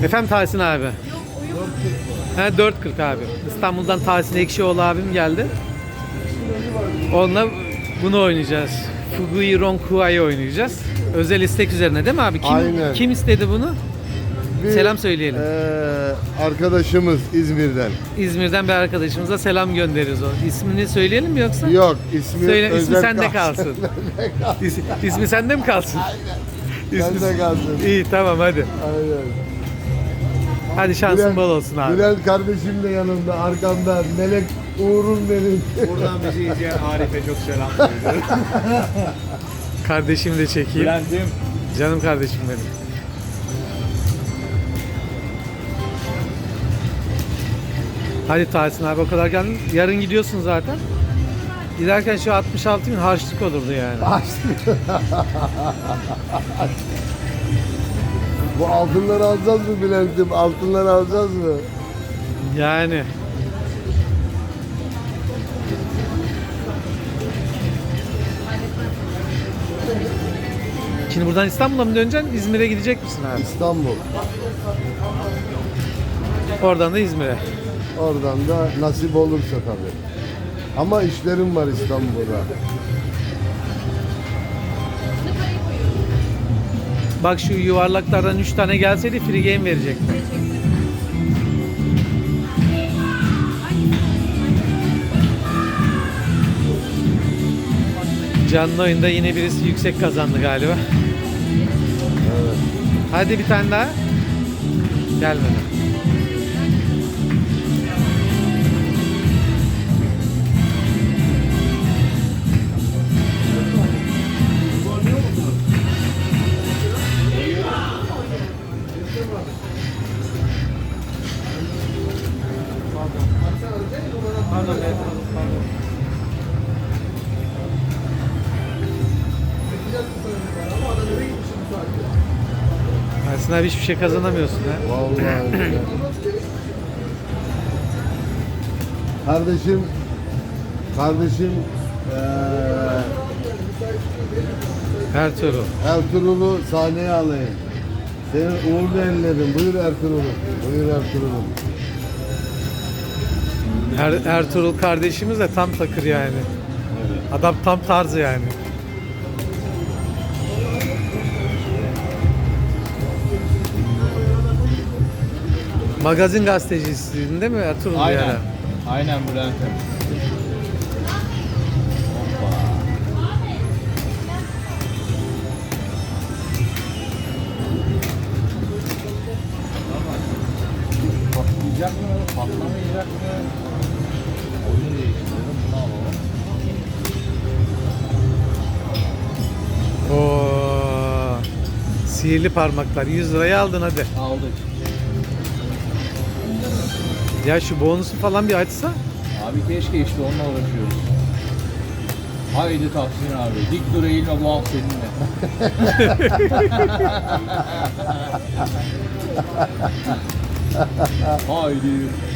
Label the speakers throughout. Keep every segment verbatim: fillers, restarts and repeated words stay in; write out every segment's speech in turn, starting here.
Speaker 1: Efendim Tahsin abi. He dört kırk abi. İstanbul'dan Tahsin Ekşioğlu abim geldi. Onunla bunu oynayacağız. Fugui Ronkua'yı oynayacağız. Özel istek üzerine değil mi abi? Kim,
Speaker 2: Aynen.
Speaker 1: kim istedi bunu?
Speaker 2: Bir,
Speaker 1: Selam söyleyelim.
Speaker 2: eee, arkadaşımız İzmir'den.
Speaker 1: İzmir'den bir arkadaşımıza selam göndeririz o. İsmini söyleyelim mi yoksa?
Speaker 2: Yok, ismi
Speaker 1: Söyle, ismi
Speaker 2: özel
Speaker 1: sende kalsın. İs, ismi sende mi kalsın? İsmi-
Speaker 2: Sende kalsın.
Speaker 1: İyi tamam hadi.
Speaker 2: Aynen.
Speaker 1: Hadi şansın bol olsun abi.
Speaker 2: Bülent kardeşim de yanımda, arkamda. Melek Uğur'um benim.
Speaker 3: Buradan bizi izleyen Arif'e çok selam söylüyorum.
Speaker 1: Kardeşimi de çekeyim.
Speaker 3: Bülent'im.
Speaker 1: Canım kardeşim benim. Hadi Tahsin abi o kadar geldin. Yarın gidiyorsun zaten. Giderken şu altmış altı bin harçlık olurdu yani.
Speaker 2: Bu altınları alacağız mı Bülent'im? Altınları alacağız mı?
Speaker 1: Yani. Şimdi buradan İstanbul'a mı döneceksin? İzmir'e gidecek misin abi?
Speaker 2: İstanbul.
Speaker 1: Oradan da İzmir'e.
Speaker 2: Oradan da nasip olursa tabii. Ama işlerim var İstanbul'da.
Speaker 1: Bak şu yuvarlaklardan üç tane gelseydi free game verecekti. Canlı oyunda yine birisi yüksek kazandı galiba.
Speaker 2: Evet.
Speaker 1: Hadi bir tane daha. Gelmedi. Ersin abi hiçbir şey kazanamıyorsun ha.
Speaker 2: Vallahi öyle. Kardeşim, kardeşim eee
Speaker 1: Ertuğrul.
Speaker 2: Ertuğrul'u sahneye alayım. Seni uğurlu ellerim. Buyur Ertuğrul'um. Buyur Ertuğrul'um.
Speaker 1: Er, Ertuğrul kardeşimiz de tam takır yani. Adam tam tarzı yani. Magazin gazetecisiydin değil mi Ertuğrul?
Speaker 3: Aynen.
Speaker 1: yani?
Speaker 3: Aynen Bülent'im. Hoppa. Patlayacak mı? Patlamayacak mı? Oyunu değiştirelim. Bunu alalım.
Speaker 1: Oo. Sihirli parmaklar. yüz liraya aldın hadi.
Speaker 3: Aldık.
Speaker 1: Ya şu bonusu falan bir açsa.
Speaker 3: Abi keşke işte onunla uğraşıyoruz. Haydi Tahsin abi. Dik dur eğilme, bu alt seninle. Haydi.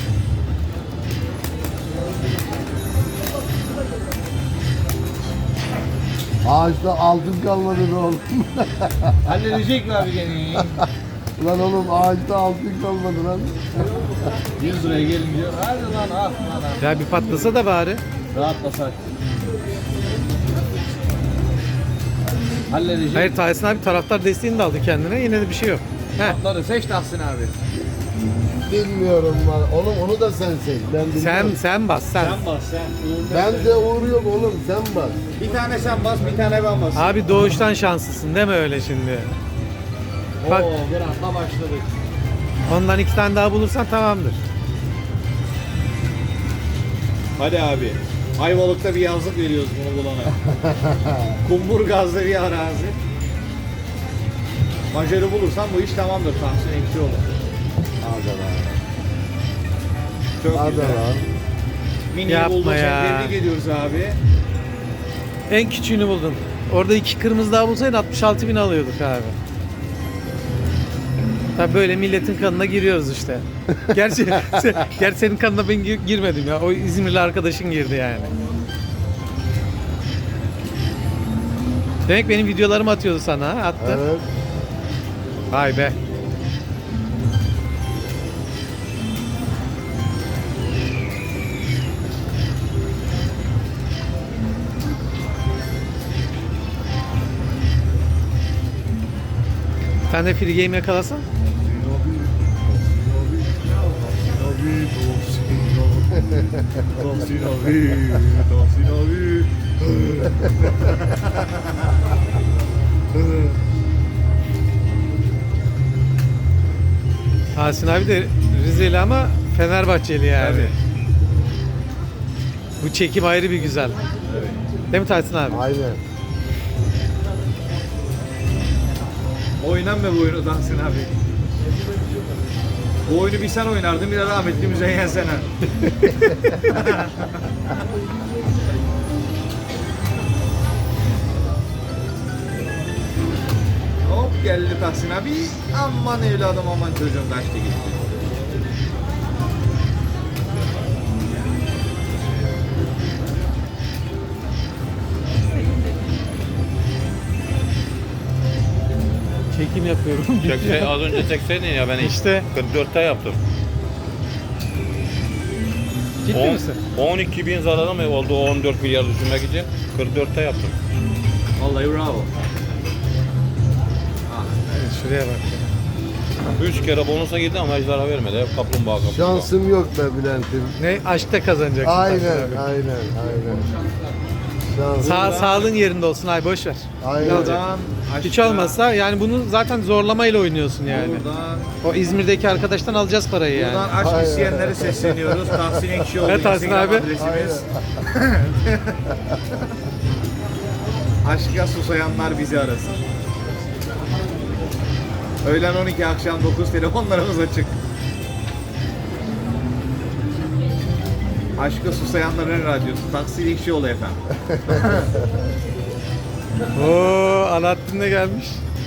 Speaker 2: Ağaçta altın kalmadı be oğlum.
Speaker 3: Halledecek mi abi gene?
Speaker 2: Lan oğlum ağaçta altın kalmadı lan.
Speaker 3: yüz liraya gelince hadi lan ah lan ah.
Speaker 1: Ya bir patlasa da bari.
Speaker 3: Rahatlasak. Halledecek.
Speaker 1: Hayır Tahsin abi taraftar desteğini de aldı kendine. Yine de bir şey yok. Heh.
Speaker 3: Atları seç Tahsin abi.
Speaker 2: Bilmiyorum var. Oğlum onu da sen seç. Ben bilmiyorum.
Speaker 1: Sen sen bas sen.
Speaker 3: Sen bas sen.
Speaker 2: Ben de Uğur yok oğlum. Sen bas.
Speaker 3: Bir tane sen bas, bir tane ben bas.
Speaker 1: Abi doğuştan şanslısın deme öyle şimdi. Bak.
Speaker 3: Oo, bir anda başladık.
Speaker 1: Ondan iki tane daha bulursan tamamdır.
Speaker 3: Hadi abi. Ayvalık'ta bir yazlık veriyoruz bunu bulana. Kumburgaz'da bir arazi. Macarı bulursan bu iş tamamdır. Tahsin Ekşioğlu.
Speaker 2: Hadi lan.
Speaker 3: Çok
Speaker 2: Hadi
Speaker 3: güzel.
Speaker 2: lan.
Speaker 3: Mini
Speaker 1: Yapma
Speaker 3: bulduk.
Speaker 1: ya.
Speaker 3: Tebrik ediyoruz abi.
Speaker 1: En küçüğünü buldun. Orada iki kırmızı daha bulsaydın altmış altı bin alıyorduk abi. Tabii böyle milletin kanına giriyoruz işte. Gerçi, se- gerçi senin kanına ben gir- girmedim ya. O İzmirli arkadaşın girdi yani. Demek benim videolarımı atıyordu sana ha? Attı.
Speaker 2: Evet.
Speaker 1: Vay be. Bir tane free game yakalasan.
Speaker 3: Tahsin abi, Tahsin abi.
Speaker 1: Tahsin abi de Rizeli ama Fenerbahçeli yani.
Speaker 3: Tabii.
Speaker 1: Bu çekim ayrı bir güzel.
Speaker 3: Evet.
Speaker 1: Değil mi Tahsin abi?
Speaker 2: Aynen.
Speaker 3: Oynan mı bu oyunu Tahsin abi? Bu oyunu bir sen oynardın, bir de rahmetli Müzeyyen Sener. Hop geldi Tahsin abi. Aman evladım aman çocuğum kaçtı gitti.
Speaker 1: Çekim yapıyorum.
Speaker 4: Çekse, az önce çekseydin ya ben
Speaker 1: İşte.
Speaker 4: kırk dörtte yaptım.
Speaker 1: Ciddi
Speaker 4: On-
Speaker 1: misin?
Speaker 4: on iki bin zararım oldu o on dört milyar düşünmek için. kırk dörtte yaptım.
Speaker 3: Vallahi bravo. Ah,
Speaker 1: Şuraya bak.
Speaker 4: üç kere bonusa girdi ama hiç zarar vermedi. Hep kaplumbağa kaplumbağa.
Speaker 2: Şansım yok be Bülent'im.
Speaker 1: Ne? Aşkta kazanacaksın.
Speaker 2: Aynen,
Speaker 1: Tahsin abi.
Speaker 2: aynen, aynen. Şansım.
Speaker 1: Sağ, sağlığın yerinde olsun abi boş ver.
Speaker 2: Aynen.
Speaker 3: buradan
Speaker 1: Hiç
Speaker 3: aşağı,
Speaker 1: olmazsa yani bunu zaten zorlamayla oynuyorsun yani.
Speaker 3: Buradan,
Speaker 1: O İzmir'deki arkadaştan alacağız parayı yani.
Speaker 3: buradan aşk
Speaker 2: Aynen.
Speaker 3: isteyenlere sesleniyoruz. Tahsin Ekşioğlu
Speaker 1: Evet, Tahsin
Speaker 3: Instagram
Speaker 1: abi.
Speaker 3: adresimiz. Aşka susayanlar bizi arasın. Öğlen on iki akşam dokuz telefonlarımız açık. Aşka susayanların radyosu Tahsin Ekşioğlu efendim.
Speaker 1: Oo, Alaaddin de gelmiş.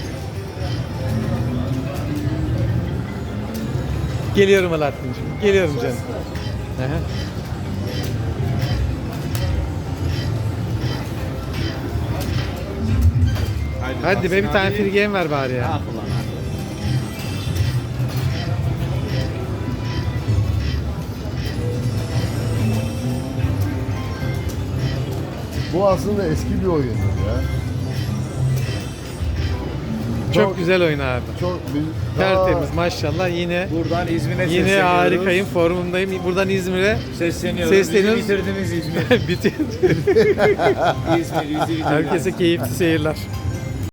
Speaker 1: Geliyorum Alaaddin'cim. Geliyorum canım. Aha. Hadi be bir
Speaker 3: Tahsin
Speaker 1: tane
Speaker 3: abi.
Speaker 1: free game ver bari ya.
Speaker 3: Ah ulan abi.
Speaker 2: Bu aslında eski bir oyundu ya.
Speaker 1: Çok güzel oyun abi.
Speaker 2: Çok büyük.
Speaker 1: Tertemiz maşallah yine
Speaker 3: Buradan İzmir'e
Speaker 1: yine
Speaker 3: sesleniyoruz.
Speaker 1: harikayım formundayım. Buradan İzmir'e
Speaker 3: Sesleniyoruz.
Speaker 1: Sesleniyoruz.
Speaker 3: Bizi bitirdiniz İzmir.
Speaker 1: bitir.
Speaker 3: İzmir, bizi bitirdiniz.
Speaker 1: Herkese keyifli seyirler.